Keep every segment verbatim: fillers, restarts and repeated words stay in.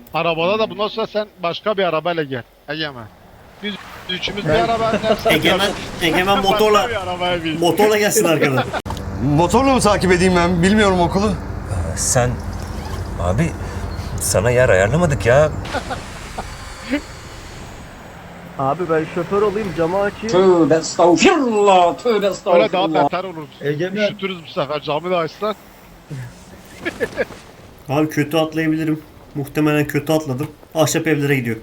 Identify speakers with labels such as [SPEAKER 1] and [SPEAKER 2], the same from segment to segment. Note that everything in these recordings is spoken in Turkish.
[SPEAKER 1] Arabada da bundan sonra sen başka bir arabayla gel. Egemen. Biz üçümüz bir arabanın hepsini
[SPEAKER 2] Egemen, Egemen motorla
[SPEAKER 1] başka bir arabaya bin.
[SPEAKER 2] motorla gelsin arkadan.
[SPEAKER 3] Motorla mı takip edeyim ben? Bilmiyorum okulu.
[SPEAKER 4] Sen... Abi sana yer ayarlamadık ya.
[SPEAKER 5] Abi ben şoför olayım, camı açayım.
[SPEAKER 6] Tövbe estağfirullah, tövbe
[SPEAKER 1] Öyle daha
[SPEAKER 6] estağfirullah.
[SPEAKER 1] beter olur.
[SPEAKER 7] Egemen.
[SPEAKER 1] Üşütürüz bu sefer camı da açsan.
[SPEAKER 2] Abi kötü atlayabilirim. Muhtemelen kötü atladım. Ahşap evlere gidiyor.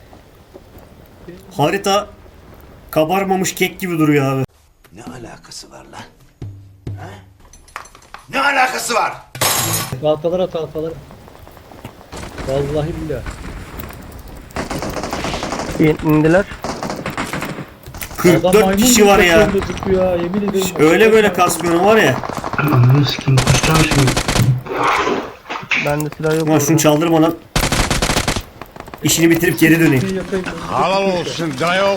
[SPEAKER 2] Harita kabarmamış kek gibi duruyor abi.
[SPEAKER 3] Ne alakası var lan? Ha? Ne alakası var?
[SPEAKER 7] Tahtalara tahtalara. Vallahi billahi.
[SPEAKER 5] İn- İndiler.
[SPEAKER 7] Adam
[SPEAKER 2] kırk dört
[SPEAKER 7] maymun
[SPEAKER 2] kişi
[SPEAKER 7] gibi
[SPEAKER 2] var ya.
[SPEAKER 7] tepemde zıplıyor ha, yemin ederim.
[SPEAKER 2] Öyle böyle kasmıyorum var ya.
[SPEAKER 5] Bende silah yok.
[SPEAKER 2] Ulan şunu çaldırma lan. İşini bitirip geri döneyim.
[SPEAKER 7] Bir yakayım.
[SPEAKER 3] Halal olsun dayı.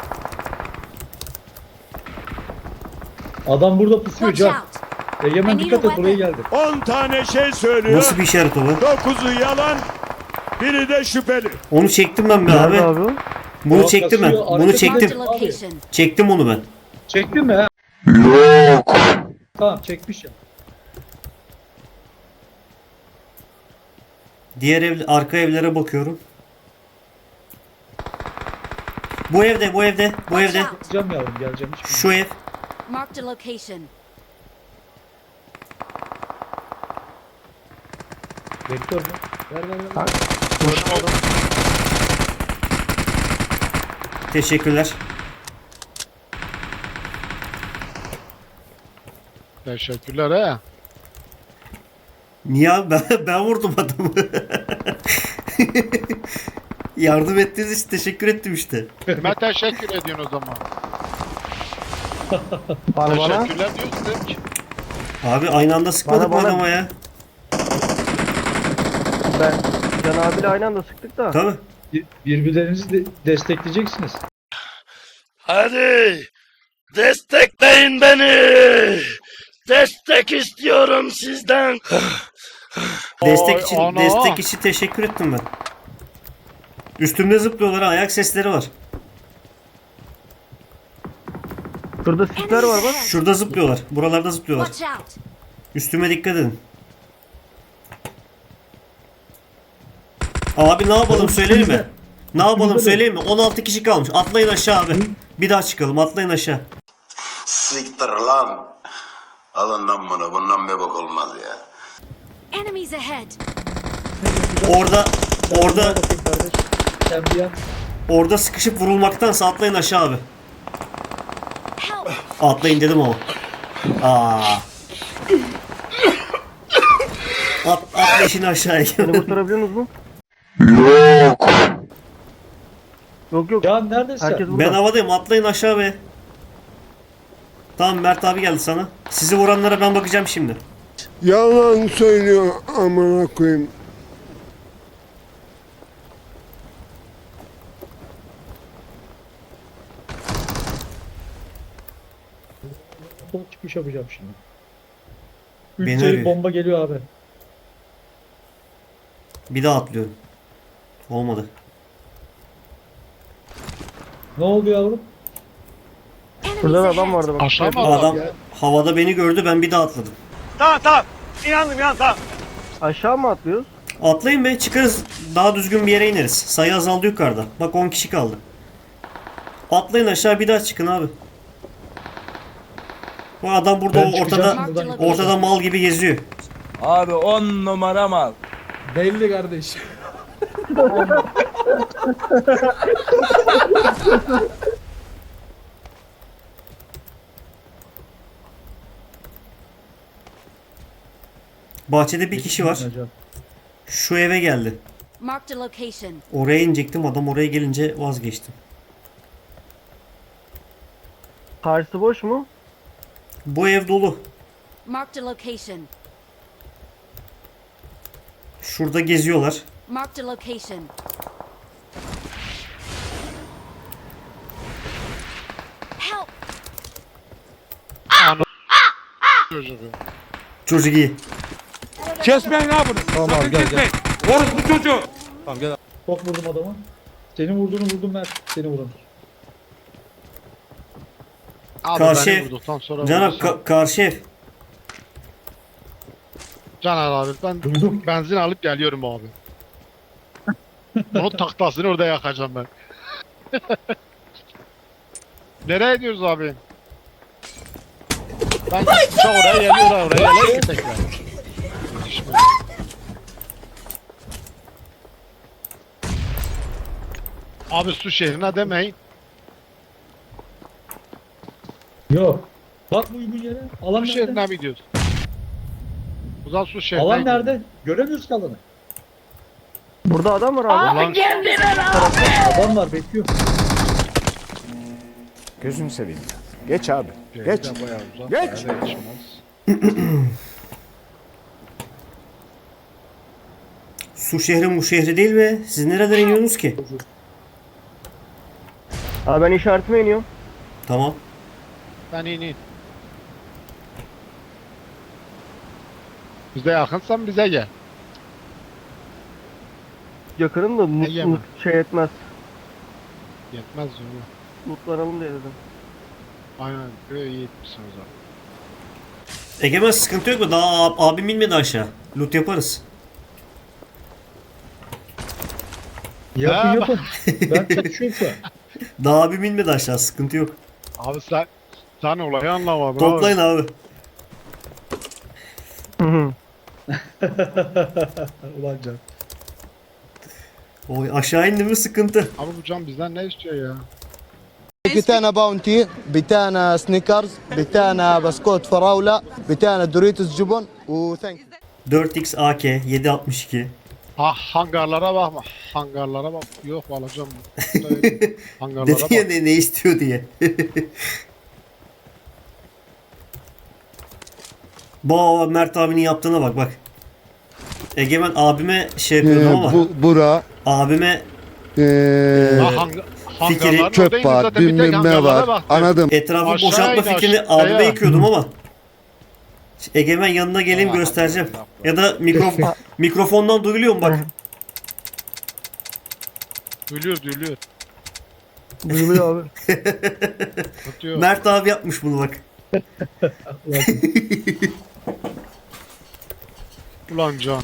[SPEAKER 7] Adam burada pusuyor
[SPEAKER 8] Watch
[SPEAKER 7] Can.
[SPEAKER 8] out!
[SPEAKER 7] Egemen
[SPEAKER 8] I need
[SPEAKER 7] dikkat
[SPEAKER 8] a
[SPEAKER 7] et, buraya geldi.
[SPEAKER 9] on tane şey söylüyor.
[SPEAKER 2] Nasıl bir işaret o bu?
[SPEAKER 9] dokuzu yalan, biri de şüpheli.
[SPEAKER 2] Onu çektim ben be
[SPEAKER 5] Nerede
[SPEAKER 2] abi.
[SPEAKER 5] abi?
[SPEAKER 2] Bunu
[SPEAKER 7] Aa,
[SPEAKER 2] çektim ben.
[SPEAKER 7] kasıyor,
[SPEAKER 2] Bunu
[SPEAKER 7] arkada
[SPEAKER 8] Marked a
[SPEAKER 2] çektim.
[SPEAKER 8] location.
[SPEAKER 2] Çektim onu ben.
[SPEAKER 7] Çektin mi ha? Yok. Tamam çekmiş ya.
[SPEAKER 2] Diğer ev, arka evlere bakıyorum. Bu evde, bu evde, bu
[SPEAKER 8] Watch
[SPEAKER 2] evde.
[SPEAKER 8] out!
[SPEAKER 7] Geleceğim yavrum, geleceğim. Hiç
[SPEAKER 2] Şu ev.
[SPEAKER 8] Marked a location.
[SPEAKER 7] Vektör mü? Ver ver ver.
[SPEAKER 2] Teşekkürler.
[SPEAKER 1] Teşekkürler he.
[SPEAKER 2] Niye abi? Ben, ben vurdum adamı. Yardım ettiğiniz için teşekkür ettim işte.
[SPEAKER 1] Kime teşekkür ediyorsun o zaman?
[SPEAKER 5] Bana bana.
[SPEAKER 1] Teşekkürler diyorsun dedim ki.
[SPEAKER 2] Abi aynı anda sıkmadık
[SPEAKER 5] Bana,
[SPEAKER 2] mı
[SPEAKER 5] bana.
[SPEAKER 2] adama ya?
[SPEAKER 5] Ben Can abiyle aynı anda sıktık da.
[SPEAKER 2] Tabii.
[SPEAKER 7] Bir- Birbirlerinizi de destekleyeceksiniz.
[SPEAKER 9] Hadi destekleyin beni. Destek istiyorum sizden.
[SPEAKER 2] Destek
[SPEAKER 1] Ay,
[SPEAKER 2] için
[SPEAKER 1] ana.
[SPEAKER 2] destek için teşekkür ettim ben. Üstümde zıplıyorlar, ayak sesleri var.
[SPEAKER 5] Şurada sisler var bak.
[SPEAKER 2] Şurada zıplıyorlar. Buralarda zıplıyorlar.
[SPEAKER 8] Watch out!
[SPEAKER 2] Üstüme dikkat edin. Abi ne yapalım söyleyeyim mi? Ne yapalım söyleyeyim mi? on altı kişi kalmış. Atlayın aşağı abi. Bir daha çıkalım. Atlayın aşağı.
[SPEAKER 3] Siktir lan. Alın lan bunu. Bundan bir bak olmaz ya.
[SPEAKER 8] Enemies ahead!
[SPEAKER 2] Orada orada
[SPEAKER 7] Bakayım kardeş. Sen bir yan.
[SPEAKER 2] orada sıkışıp vurulmaktansa atlayın aşağı abi.
[SPEAKER 8] Help!
[SPEAKER 2] Atlayın dedim ama. Aa. At, atla işini aşağıya.
[SPEAKER 5] Beni kurtarabiliyor musunuz mu? Yok yok.
[SPEAKER 7] Can neredesin?
[SPEAKER 5] Herkes burada.
[SPEAKER 2] Ben havadayım. Atlayın aşağı be. Tamam Mert abi geldi sana. Sizi vuranlara ben bakacağım şimdi.
[SPEAKER 10] Yalan söylüyor amına koyayım.
[SPEAKER 7] Sol çıkış yapacağım şimdi. Üç
[SPEAKER 2] Beni
[SPEAKER 7] sayı
[SPEAKER 2] arıyor.
[SPEAKER 7] bomba geliyor abi.
[SPEAKER 2] Bir daha atlıyorum. Olmadı.
[SPEAKER 7] Ne oldu yavrum?
[SPEAKER 8] Enemies
[SPEAKER 5] Şurada da adam
[SPEAKER 8] ahead!
[SPEAKER 5] vardı bak.
[SPEAKER 1] Aşağı mı
[SPEAKER 2] Adam
[SPEAKER 1] adam?
[SPEAKER 2] havada beni gördü, ben bir daha atladım.
[SPEAKER 9] Tamam tamam. İnandım ya tamam.
[SPEAKER 5] Aşağı mı atlıyoruz?
[SPEAKER 2] Atlayın be, çıkarız. Daha düzgün bir yere ineriz. Sayı azaldı yukarıda. Bak on kişi kaldı. Atlayın aşağı, bir daha çıkın abi. Bu adam burada
[SPEAKER 7] Ben
[SPEAKER 2] o
[SPEAKER 7] çıkacağım
[SPEAKER 2] ortada
[SPEAKER 7] buradan.
[SPEAKER 2] ortada mal gibi geziyor.
[SPEAKER 9] Abi on numara mal.
[SPEAKER 7] Belli kardeş.
[SPEAKER 2] Bahçede bir kişi var. Şu eve geldi.
[SPEAKER 8] Marked a location.
[SPEAKER 2] Oraya inecektim, adam oraya gelince vazgeçtim.
[SPEAKER 5] Karşısı boş mu?
[SPEAKER 2] Bu ev dolu.
[SPEAKER 8] Marked a location.
[SPEAKER 2] Şurada geziyorlar.
[SPEAKER 8] Marked a location. Help!
[SPEAKER 1] Çocuğu.
[SPEAKER 2] Çocuk iyi.
[SPEAKER 9] Kesmeyin abi bunu.
[SPEAKER 7] Tamam abi gel gel.
[SPEAKER 9] Orospu çocuğu. Tamam gel.
[SPEAKER 6] Çok vurdum adamı. Senin vurduğunu vurdum Mert. Seni vuran.
[SPEAKER 1] Abi
[SPEAKER 2] Karşı
[SPEAKER 1] beni
[SPEAKER 2] ev.
[SPEAKER 1] vurduktan sonra
[SPEAKER 2] Can abi
[SPEAKER 1] vurursan-
[SPEAKER 2] ka- karşı ev.
[SPEAKER 1] Caner abi ben
[SPEAKER 6] Duydum.
[SPEAKER 1] benzin alıp geliyorum abi. Onun taklasını orada yakacağım ben. Nereye gidiyoruz abi? Ben uçak oraya geliyor oraya oraya geliyor ki tekrar. Abi su şehrine demeyin.
[SPEAKER 6] Yok. Bak bu uygun yere. Alan
[SPEAKER 1] Su
[SPEAKER 6] nerede?
[SPEAKER 1] şehrine mi gidiyoruz? O zaman su şehrine
[SPEAKER 6] Alan
[SPEAKER 1] gidiyoruz.
[SPEAKER 6] nerede? Göremiyoruz ki alanı.
[SPEAKER 5] Burada adam var abi.
[SPEAKER 1] Ulan
[SPEAKER 6] Adam var bekliyor.
[SPEAKER 9] Gözünü seveyim. Geç abi.
[SPEAKER 1] Geç. Geç.
[SPEAKER 2] Su şehri bu şehri değil be. Siz nereden iniyorsunuz ki?
[SPEAKER 5] Abi ben işaretime iniyorum.
[SPEAKER 2] Tamam.
[SPEAKER 1] Ben in in. Bize yakınsan bize gel.
[SPEAKER 5] Yakınım da mut,
[SPEAKER 1] Ege mi?
[SPEAKER 5] mut şey etmez.
[SPEAKER 1] Yetmez onu.
[SPEAKER 5] Mutlanalım diye dedim.
[SPEAKER 1] Aynen böyle iyi etmişsiniz abi.
[SPEAKER 2] Egemen sıkıntı yok mu? Daha ab- abim inmedi aşağı. Loot yaparız.
[SPEAKER 6] Yapın
[SPEAKER 1] Ha,
[SPEAKER 6] yapın. Ben çalışıyorum şu an.
[SPEAKER 2] Daha abim inmedi aşağı. Sıkıntı yok.
[SPEAKER 1] Abi sen sen olayı anlamadın
[SPEAKER 2] Toplayın abi.
[SPEAKER 5] Hı hı.
[SPEAKER 6] Ulan can.
[SPEAKER 2] Oy aşağı indi mi sıkıntı.
[SPEAKER 1] Abi bu can bizden ne istiyor ya?
[SPEAKER 11] بتاعنا باونتي بتاعنا سنيكرز بتاعنا بسكوت فراولة بتاعنا دوريتوس جبن وثانك
[SPEAKER 2] dört x A K yedi altmış iki.
[SPEAKER 1] Ha hangarlara bakma. Hangarlara bak. Yok alacağım. Hangarlara
[SPEAKER 2] Dedi
[SPEAKER 1] bak.
[SPEAKER 2] ya ne, ne istiyor diye. Bu Mert abinin yaptığına bak bak. Egemen abime şey yapıyordum ama
[SPEAKER 10] bu, bura
[SPEAKER 2] abime
[SPEAKER 10] eee,
[SPEAKER 1] Ha, hang
[SPEAKER 2] Fikri,
[SPEAKER 1] hangarların
[SPEAKER 10] çöp
[SPEAKER 1] oradaydı
[SPEAKER 10] var,
[SPEAKER 1] zaten, bir tek
[SPEAKER 10] bilmem ne
[SPEAKER 1] hangarlara
[SPEAKER 10] var.
[SPEAKER 1] baktım.
[SPEAKER 10] Anladım.
[SPEAKER 2] etrafı
[SPEAKER 1] Aşağı
[SPEAKER 2] boşaltma
[SPEAKER 1] in,
[SPEAKER 2] fikrini
[SPEAKER 1] aşağıya.
[SPEAKER 2] abime yıkıyordum ama Egemen yanına geleyim
[SPEAKER 1] Aa,
[SPEAKER 2] göstereceğim.
[SPEAKER 1] Allah.
[SPEAKER 2] Ya da mikro mikrofondan duyuluyor mu bak.
[SPEAKER 1] Duyuluyor duyuluyor.
[SPEAKER 5] Duyuluyor abi.
[SPEAKER 1] Tutuyor.
[SPEAKER 2] Mert abi yapmış bunu bak.
[SPEAKER 1] Ulan can.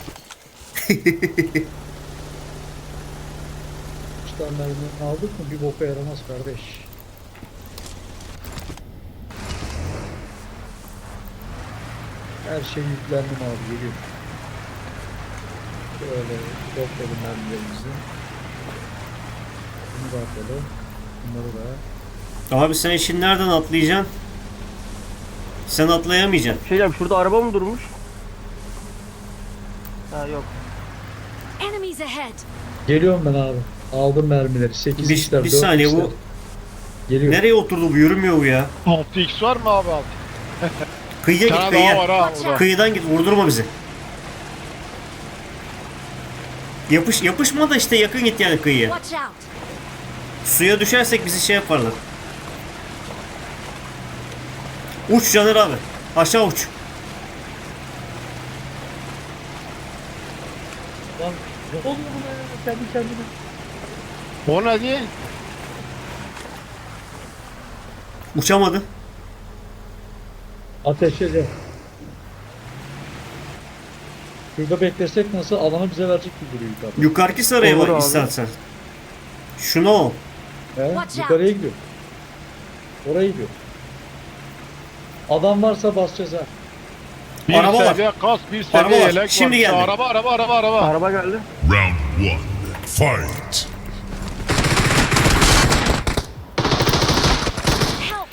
[SPEAKER 6] Üç tane mermi aldık mı bir boka yaramaz kardeş. Her şey yüklendim abi geliyor. Şöyle toplayalım mermilerimizi. Bunu da atalım. Bunları da.
[SPEAKER 2] Abi sen işin nereden atlayacaksın? Sen atlayamayacaksın.
[SPEAKER 5] Şey diyeceğim şurada araba mı durmuş? Ha yok.
[SPEAKER 8] Enemies ahead.
[SPEAKER 6] Geliyorum ben abi. Aldım mermileri. sekiz
[SPEAKER 2] Bir,
[SPEAKER 6] x'ler,
[SPEAKER 2] bir
[SPEAKER 6] dört
[SPEAKER 2] saniye
[SPEAKER 6] x'ler.
[SPEAKER 2] bu
[SPEAKER 6] Geliyor.
[SPEAKER 2] nereye oturdu bu yürümüyor bu ya.
[SPEAKER 1] altı x var mı abi abi?
[SPEAKER 2] Kıyıya
[SPEAKER 1] Bir
[SPEAKER 2] git
[SPEAKER 1] tane daha var
[SPEAKER 2] kıyıya.
[SPEAKER 1] ha orada.
[SPEAKER 2] Kıyıdan git vurdurma bizi. Yapış yapışma da işte yakın git yani kıyıya.
[SPEAKER 8] Watch out.
[SPEAKER 2] Suya düşersek bizi şey yaparlar. Uç Caner abi. Aşağı uç.
[SPEAKER 6] Lan ne oluyor buna ya? Kendi kendine.
[SPEAKER 1] O ne diye?
[SPEAKER 2] Uçamadı.
[SPEAKER 6] Ateş eder. Şurada beklesek nasıl alanı bize verecek gibi duruyor yukarıda.
[SPEAKER 2] Yukarıki saraya
[SPEAKER 5] Olur
[SPEAKER 2] bak
[SPEAKER 5] abi.
[SPEAKER 2] istersen. Şunu ol.
[SPEAKER 6] He?
[SPEAKER 8] Watch out.
[SPEAKER 6] Yukarıya gidiyor. Oraya gidiyor. Adam varsa basacağız ha.
[SPEAKER 1] Bir
[SPEAKER 2] Araba var.
[SPEAKER 1] seviye kas, bir
[SPEAKER 2] Araba
[SPEAKER 1] seviye
[SPEAKER 2] var.
[SPEAKER 1] yelek
[SPEAKER 2] Şimdi
[SPEAKER 1] var.
[SPEAKER 2] geldi.
[SPEAKER 1] Araba araba araba araba.
[SPEAKER 5] Araba geldi.
[SPEAKER 7] Round one. Fight.
[SPEAKER 8] Help.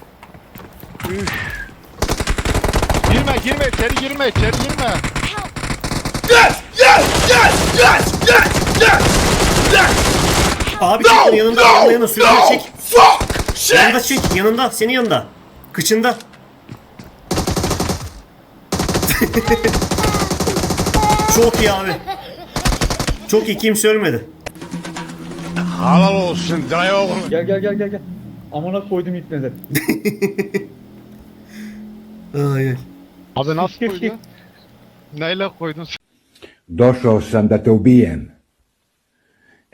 [SPEAKER 1] Girme girme içeri girme içeri girme.
[SPEAKER 8] Help.
[SPEAKER 2] Abi çek onu yanında yanında yanında sürüyor çek. Yanında çek yanında senin yanında. Kıçında. Çok iyi abi. Çok iyi kimse ölmedi.
[SPEAKER 1] Halal olsun dayı oğlum.
[SPEAKER 6] Gel gel gel gel gel. Amına koydum ipneleri.
[SPEAKER 2] Ay.
[SPEAKER 1] Abi nasıl koydun? Neyle koydun?
[SPEAKER 7] Došao sam da te ubijem.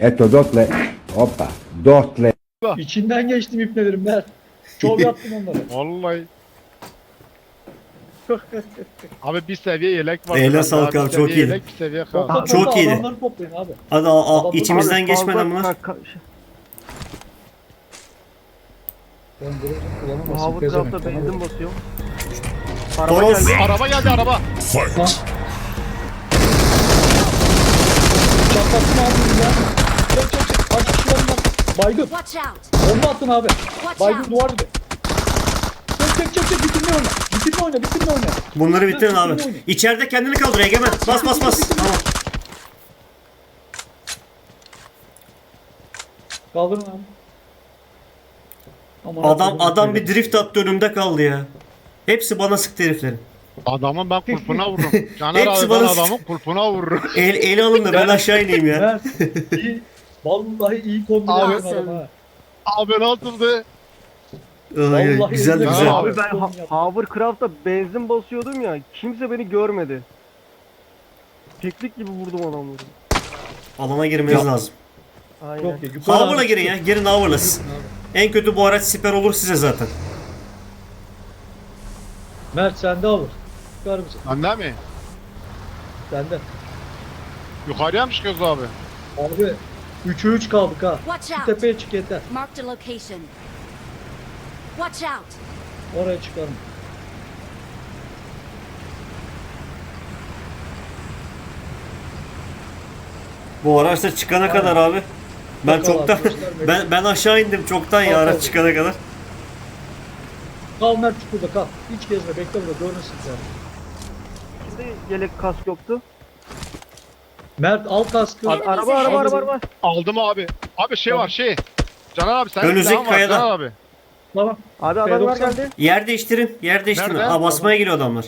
[SPEAKER 9] Eto dotle. Hoppa. Dotle.
[SPEAKER 6] İçinden geçtim ipnelerim Mert. Çok yaptım onları.
[SPEAKER 1] Vallahi. Abi bir seviye yelek var.
[SPEAKER 2] Eline
[SPEAKER 1] bende
[SPEAKER 2] sağlık
[SPEAKER 1] Bir
[SPEAKER 2] abi, çok
[SPEAKER 1] seviye
[SPEAKER 2] iyiydi.
[SPEAKER 1] Yelek, bir seviye
[SPEAKER 6] Topla,
[SPEAKER 1] kaldı.
[SPEAKER 2] Çok
[SPEAKER 6] topla,
[SPEAKER 2] iyiydi.
[SPEAKER 6] Adamları toplayın abi.
[SPEAKER 2] Hadi a- a-
[SPEAKER 6] Abi,
[SPEAKER 2] içimizden
[SPEAKER 5] Abi,
[SPEAKER 2] geçmeden
[SPEAKER 5] fazla-
[SPEAKER 2] bunlar.
[SPEAKER 5] ka- ka-
[SPEAKER 6] Ben bunu kullanamazsın.
[SPEAKER 5] Hava
[SPEAKER 6] pezevenk,
[SPEAKER 5] tarafta
[SPEAKER 6] tamam mı?
[SPEAKER 5] benzin basıyor. Araba
[SPEAKER 2] Toros.
[SPEAKER 5] geldi.
[SPEAKER 1] Araba geldi araba.
[SPEAKER 6] Çatlattın abi bunu ya. Çek çek çek. Kaç kişi var bunlar? Baygın.
[SPEAKER 8] Watch out!
[SPEAKER 6] Bomba attın abi.
[SPEAKER 8] Watch
[SPEAKER 6] Baygın
[SPEAKER 8] out!
[SPEAKER 6] duvar gibi. Çek çek çek çek. Bitirme oyna. Bitirme oyna. Bitirme oyna.
[SPEAKER 2] Bunları bitirin abi. İçeride kendini kaldır Egemen. Bas bas bas. Tamam.
[SPEAKER 6] Kaldırın abi. Aman
[SPEAKER 2] Adam
[SPEAKER 6] Allah'ım,
[SPEAKER 2] adam
[SPEAKER 6] böyle.
[SPEAKER 2] bir drift attı önümde kaldı ya. Hepsi bana sıktı heriflerin.
[SPEAKER 1] Adamın ben kulpuna vururum. Caner
[SPEAKER 2] Hepsi
[SPEAKER 1] abi ben
[SPEAKER 2] bana-
[SPEAKER 1] adamın kulpuna vururum.
[SPEAKER 2] El, eli alın da ben aşağı ineyim ya.
[SPEAKER 6] Mert iyi. Vallahi iyi kombine
[SPEAKER 1] Abi,
[SPEAKER 6] yaptın adam ha.
[SPEAKER 1] Abi nasıldı?
[SPEAKER 2] Ay,
[SPEAKER 6] Vallahi
[SPEAKER 2] güzeldi
[SPEAKER 6] elinde-
[SPEAKER 2] güzel.
[SPEAKER 5] Abi ben ha- Hovercraft'ta benzin basıyordum ya. Kimse beni görmedi. Teknik gibi vurdum adamları.
[SPEAKER 2] Alana girmeniz lazım.
[SPEAKER 5] Aynen.
[SPEAKER 6] Yok ya. yukarı
[SPEAKER 2] Hover'la
[SPEAKER 6] abi.
[SPEAKER 2] girin ya. Girin Hover'la. En kötü bu araç siper olur size zaten.
[SPEAKER 6] Mert sende alır. Çıkar mısın?
[SPEAKER 1] Bende mi?
[SPEAKER 6] Sende.
[SPEAKER 1] Yukarıya mı çıkıyoruz abi?
[SPEAKER 6] Abi üçe üç kaldık ha.
[SPEAKER 8] Watch
[SPEAKER 6] Şu
[SPEAKER 8] out!
[SPEAKER 6] tepeye çık yeter.
[SPEAKER 8] Marked a location. Watch out!
[SPEAKER 6] Oraya çıkarım.
[SPEAKER 2] Bu araçta çıkana kadar abi. Ben
[SPEAKER 6] Bakalım
[SPEAKER 2] çoktan
[SPEAKER 6] arkadaşlar,
[SPEAKER 2] ben ben aşağı indim çoktan ya
[SPEAKER 6] Bakalım.
[SPEAKER 2] araç çıkana kadar.
[SPEAKER 6] Kal Mert çukurda kal. Hiç gezme bekle burada görürsün sen.
[SPEAKER 5] Şimdi yelek kask yoktu.
[SPEAKER 6] Mert al kaskı.
[SPEAKER 5] Abi, araba araba araba araba.
[SPEAKER 1] Aldım abi. Abi şey
[SPEAKER 6] Tamam.
[SPEAKER 1] var şey. Caner abi sen
[SPEAKER 2] Önümüzdeki
[SPEAKER 1] silahın var
[SPEAKER 2] kayada.
[SPEAKER 1] Caner abi.
[SPEAKER 6] Tamam.
[SPEAKER 5] Abi adamlar
[SPEAKER 6] P doksan.
[SPEAKER 5] geldi.
[SPEAKER 2] Yer değiştirin. Yer değiştirin.
[SPEAKER 1] Nerede?
[SPEAKER 2] Aa, basmaya geliyor adamlar.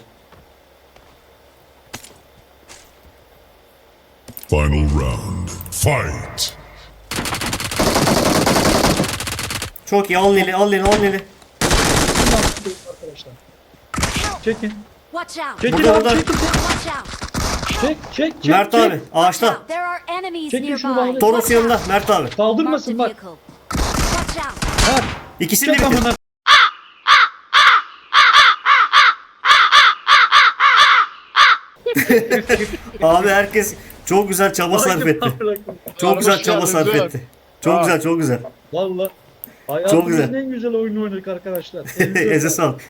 [SPEAKER 7] Final round. Fight.
[SPEAKER 2] Çok iyi. Al Neli, al Neli, al Neli.
[SPEAKER 6] Arkadaşlar. Çekin.
[SPEAKER 8] Watch out!
[SPEAKER 6] Çekin
[SPEAKER 2] Burada,
[SPEAKER 6] abi
[SPEAKER 2] burada.
[SPEAKER 6] çekin.
[SPEAKER 8] Watch out!
[SPEAKER 6] Çek çek çek.
[SPEAKER 2] Mert
[SPEAKER 6] çek.
[SPEAKER 2] abi
[SPEAKER 8] Watch
[SPEAKER 2] ağaçta.
[SPEAKER 8] out! There are enemies
[SPEAKER 6] Çekin şunu
[SPEAKER 8] nearby.
[SPEAKER 6] bağlı.
[SPEAKER 2] Toros
[SPEAKER 8] Watch
[SPEAKER 2] yanında.
[SPEAKER 8] out!
[SPEAKER 2] Mert abi.
[SPEAKER 8] Marked a
[SPEAKER 6] Kaldırmasın bak.
[SPEAKER 8] vehicle. Watch out!
[SPEAKER 6] Mert.
[SPEAKER 2] İkisini de
[SPEAKER 6] Çek
[SPEAKER 2] bitir.
[SPEAKER 6] amına.
[SPEAKER 2] Abi herkes çok güzel çaba sarf etti. Çok güzel
[SPEAKER 1] Hoş
[SPEAKER 2] çaba
[SPEAKER 1] geldin,
[SPEAKER 2] sarf
[SPEAKER 1] güzel.
[SPEAKER 2] etti. Çok
[SPEAKER 1] Ha.
[SPEAKER 2] güzel, çok güzel.
[SPEAKER 6] Valla. Hayatımızın
[SPEAKER 2] güzel.
[SPEAKER 6] en güzel oyunu oynadık arkadaşlar.
[SPEAKER 2] Eze sağlık.